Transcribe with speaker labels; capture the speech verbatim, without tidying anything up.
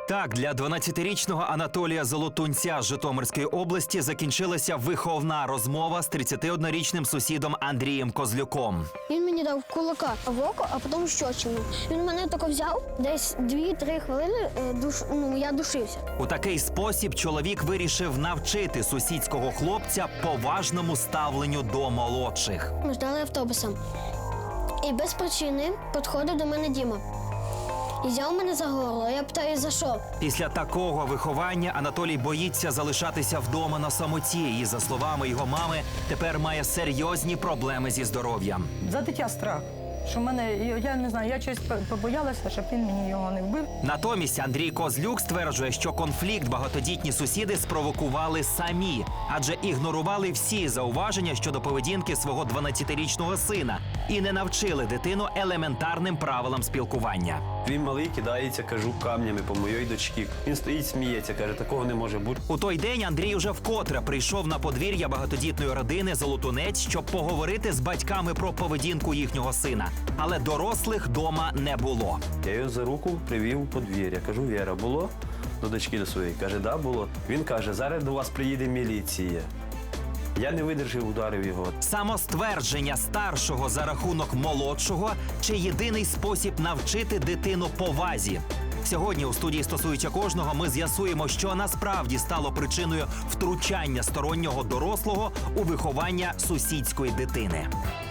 Speaker 1: Так, для дванадцятирічного Анатолія Золотунця з Житомирської області закінчилася виховна розмова з тридцятиоднорічним сусідом Андрієм Козлюком.
Speaker 2: Він мені дав кулака в око, а потім щочину. Він мене тільки взяв, десь дві-три хвилини е, душ, ну, я душився.
Speaker 1: У такий спосіб чоловік вирішив навчити сусідського хлопця поважному ставленню до молодших.
Speaker 2: Ми ждали автобуса. І без причини підходив до мене Діма. І взяв мене за горло. Я питаю, за що?
Speaker 1: Після такого виховання Анатолій боїться залишатися вдома на самоті. І, за словами його мами, тепер має серйозні проблеми зі здоров'ям.
Speaker 3: За дитя страх. Що в мене, я не знаю, я щось побоялася, щоб він мені його не вбив.
Speaker 1: Натомість Андрій Козлюк стверджує, що конфлікт багатодітні сусіди спровокували самі, адже ігнорували всі зауваження щодо поведінки свого дванадцятирічного сина і не навчили дитину елементарним правилам спілкування.
Speaker 4: Він малий кидається, кажу, камнями по моїй дочці. Він стоїть, сміється, каже, такого не може бути.
Speaker 1: У той день Андрій уже вкотре прийшов на подвір'я багатодітної родини Золотунець, щоб поговорити з батьками про поведінку їхнього сина. Але дорослих дома не було.
Speaker 4: Я його за руку привів у подвір'я. Кажу, Віра, було до дочки до своєї? Каже, да, було. Він каже, зараз до вас приїде міліція. Я не видержав, ударив його.
Speaker 1: Самоствердження старшого за рахунок молодшого чи єдиний спосіб навчити дитину повазі? Сьогодні у студії «Стосується кожного» ми з'ясуємо, що насправді стало причиною втручання стороннього дорослого у виховання сусідської дитини.